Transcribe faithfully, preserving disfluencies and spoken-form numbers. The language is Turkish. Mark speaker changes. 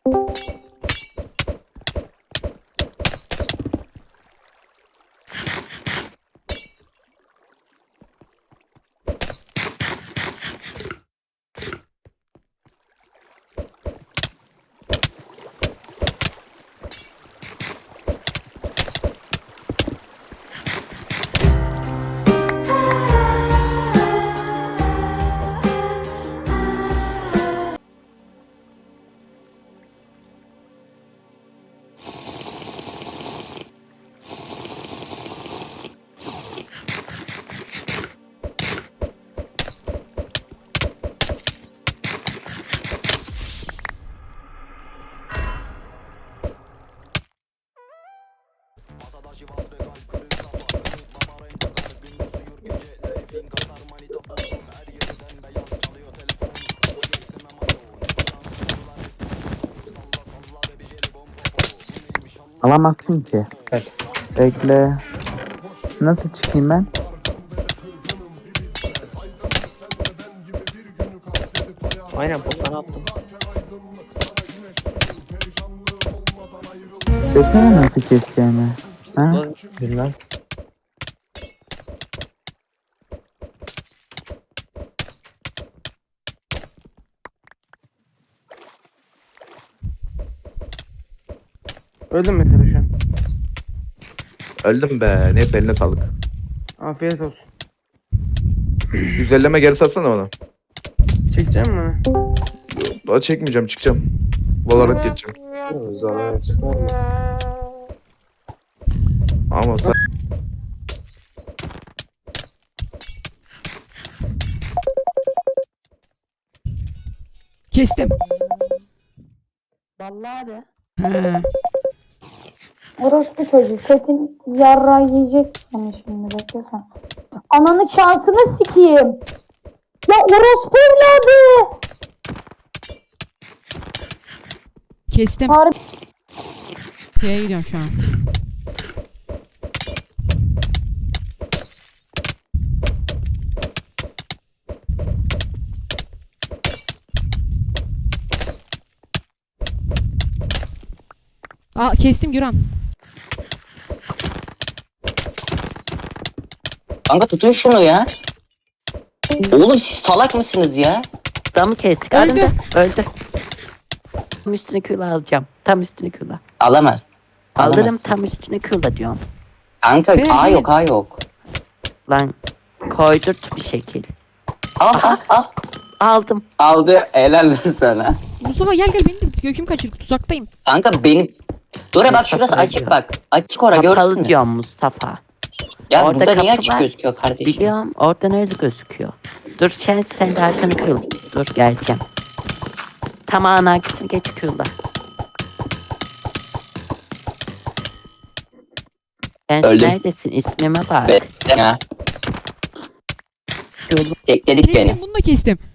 Speaker 1: Alamazsın ki.
Speaker 2: Evet.
Speaker 1: Bekle. Nasıl çıkayım ben?
Speaker 2: Aynen potları attım.
Speaker 1: Desene nasıl keseceğini. Ha?
Speaker 2: Bilmem.
Speaker 3: Öldüm mesela şu an.
Speaker 4: Öldüm be. Neyse eline sağlık.
Speaker 3: Afiyet olsun.
Speaker 4: Güzelleme geri satsana bana.
Speaker 3: Çekeceğim mi?
Speaker 4: Daha çekmeyeceğim, çıkacağım. Valorant geçeceğim.
Speaker 2: Zorla çıkar mı?
Speaker 4: Ama sen...
Speaker 5: Kestim.
Speaker 6: Vallahi de.
Speaker 5: He.
Speaker 6: Orospu çocuğu setin yarra yiyecek seni şimdi beklesen. Ananı şansını sikeyim. Ya orospu evladı.
Speaker 5: Kestim.
Speaker 6: Harbi
Speaker 5: P'ye gidiyorum şu an. Aa kestim Güran.
Speaker 7: Kanka tutun şunu ya. Oğlum siz salak mısınız ya?
Speaker 8: Adamı kestik.
Speaker 5: Öldü.
Speaker 8: Öldü. Öldü. Tam üstüne küla alacağım. Tam üstüne küla.
Speaker 7: Alamaz.
Speaker 8: Alırım
Speaker 7: Alamazsın.
Speaker 8: tam üstüne küla diyorum.
Speaker 7: Kanka
Speaker 5: Ben-
Speaker 7: A yok A yok.
Speaker 8: Lan koydurt bir şekil.
Speaker 7: Al al al.
Speaker 8: Aldım.
Speaker 7: Aldı helal lan sana.
Speaker 5: Mustafa gel gel beni de göküm kaçır tuzaktayım.
Speaker 7: Kanka benim... Dur bak şurası açık bak. Açık ora gördün
Speaker 8: Kapalı
Speaker 7: mü?
Speaker 8: diyorum Mustafa.
Speaker 7: Ya
Speaker 8: Orada
Speaker 7: burada niye
Speaker 8: kapı
Speaker 7: açık
Speaker 8: var.
Speaker 7: gözüküyor kardeşim?
Speaker 8: Biliyorum oradan öyle gözüküyor. Dur sen sen de arkanı kıl. Dur geleceğim. Tamam arkasını geç küla. Sen
Speaker 7: Öldüm.
Speaker 8: neredesin? İsmime bak.
Speaker 7: Bekle ya.
Speaker 8: Küla.
Speaker 7: Bekledik beni.
Speaker 5: Kestim bunu da kestim.